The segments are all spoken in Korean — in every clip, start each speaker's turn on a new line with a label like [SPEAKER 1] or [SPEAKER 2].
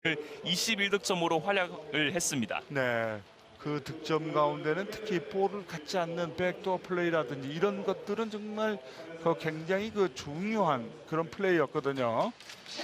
[SPEAKER 1] 21득점으로 활약을 했습니다.
[SPEAKER 2] 네. 그 득점 가운데는 특히 볼을 갖지 않는 백도어 플레이라든지 이런 것들은 정말 굉장히 중요한 그런 플레이였거든요.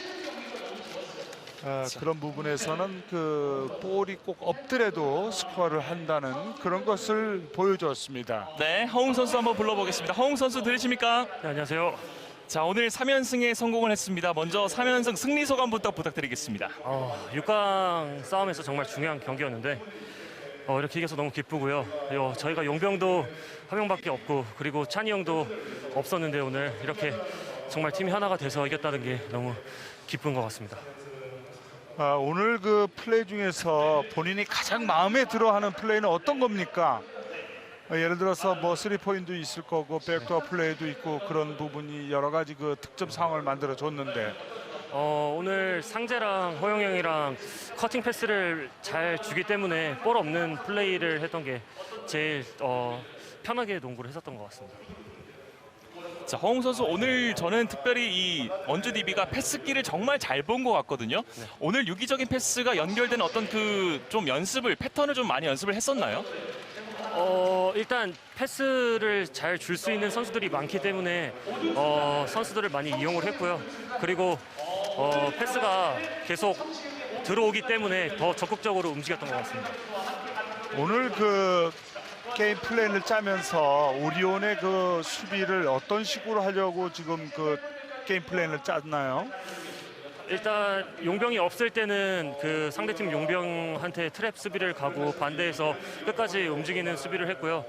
[SPEAKER 2] 그런 부분에서는 볼이 꼭 없더라도 스코어를 한다는 그런 것을 보여줬습니다.
[SPEAKER 1] 네, 허웅 선수 한번 불러보겠습니다. 허웅 선수 들으십니까?
[SPEAKER 3] 네, 안녕하세요.
[SPEAKER 1] 자, 오늘 3연승에 성공을 했습니다. 먼저 3연승 승리 소감부터 부탁드리겠습니다.
[SPEAKER 3] 6강 싸움에서 정말 중요한 경기였는데 이렇게 이겨서 너무 기쁘고요. 저희가 용병도 한 명밖에 없고 그리고 찬이 형도 없었는데 오늘 이렇게 정말 팀이 하나가 돼서 이겼다는 게 너무 기쁜 것 같습니다.
[SPEAKER 2] 오늘 그 플레이 중에서 본인이 가장 마음에 들어하는 플레이는 어떤 겁니까? 예를 들어서 뭐 3포인트도 있을 거고 백도어 플레이도 있고 그런 부분이 여러 가지 그 득점 상황을 만들어 줬는데
[SPEAKER 3] 오늘 상재랑 허영 형이랑 커팅 패스를 잘 주기 때문에 볼 없는 플레이를 했던 게 제일 편하게 농구를 했었던 것 같습니다.
[SPEAKER 1] 자, 허웅 선수 오늘 저는 특별히 이 원주 DB가 패스기를 정말 잘 본 것 같거든요.
[SPEAKER 3] 네.
[SPEAKER 1] 오늘 유기적인 패스가 연결된 어떤 좀 패턴을 좀 많이 연습을 했었나요?
[SPEAKER 3] 일단 패스를 잘 줄 수 있는 선수들이 많기 때문에 선수들을 많이 이용을 했고요. 그리고 패스가 계속 들어오기 때문에 더 적극적으로 움직였던 것 같습니다.
[SPEAKER 2] 오늘 그 게임 플랜을 짜면서 오리온의 그 수비를 어떤 식으로 하려고 지금 그 게임 플랜을 짰나요?
[SPEAKER 3] 일단 용병이 없을 때는 그 상대팀 용병한테 트랩 수비를 가고 반대에서 끝까지 움직이는 수비를 했고요.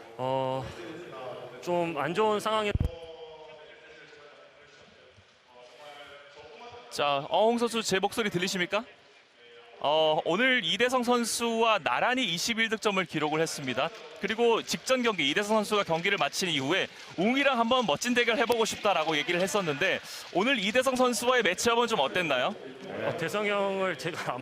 [SPEAKER 3] 좀 안 좋은 상황에
[SPEAKER 1] 자, 허웅 선수 제 목소리 들리십니까? 오늘 이대성 선수와 나란히 21득점을 기록을 했습니다. 그리고 직전 경기 이대성 선수가 경기를 마친 이후에 웅이랑 한번 멋진 대결 해보고 싶다라고 얘기를 했었는데 오늘 이대성 선수와의 매치업은 좀 어땠나요?
[SPEAKER 3] 대성 형을 제가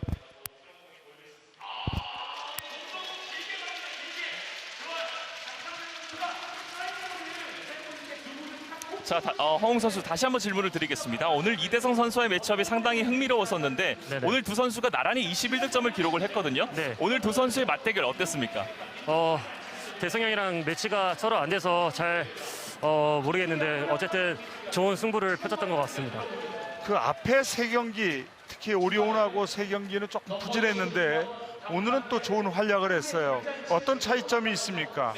[SPEAKER 1] 자, 허웅 선수 다시 한번 질문을 드리겠습니다. 오늘 이대성 선수와의 매치업이 상당히 흥미로웠었는데
[SPEAKER 3] 네네.
[SPEAKER 1] 오늘 두 선수가 나란히 21득점을 기록을 했거든요.
[SPEAKER 3] 네.
[SPEAKER 1] 오늘 두 선수의 맞대결 어땠습니까?
[SPEAKER 3] 대성 형이랑 매치가 서로 안 돼서 잘 모르겠는데 어쨌든 좋은 승부를 펼쳤던 것 같습니다.
[SPEAKER 2] 그 앞에 세 경기 특히 오리온하고 세 경기는 조금 부진했는데 오늘은 또 좋은 활약을 했어요. 어떤 차이점이 있습니까?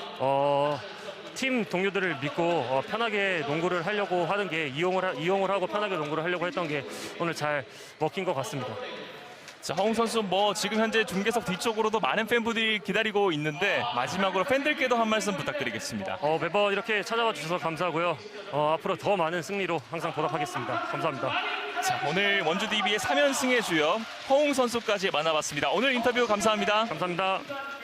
[SPEAKER 3] 팀 동료들을 믿고 편하게 농구를 하려고 하는 게 이용을 하고 편하게 농구를 하려고 했던 게 오늘 잘 먹힌 것 같습니다.
[SPEAKER 1] 자, 허웅 선수 지금 현재 중계석 뒤쪽으로도 많은 팬분들이 기다리고 있는데 마지막으로 팬들께도 한 말씀 부탁드리겠습니다.
[SPEAKER 3] 매번 이렇게 찾아와 주셔서 감사하고요. 앞으로 더 많은 승리로 항상 보답하겠습니다. 감사합니다.
[SPEAKER 1] 자, 오늘 원주 DB의 3연승의 주역 허웅 선수까지 만나봤습니다. 오늘 인터뷰 감사합니다.
[SPEAKER 3] 감사합니다.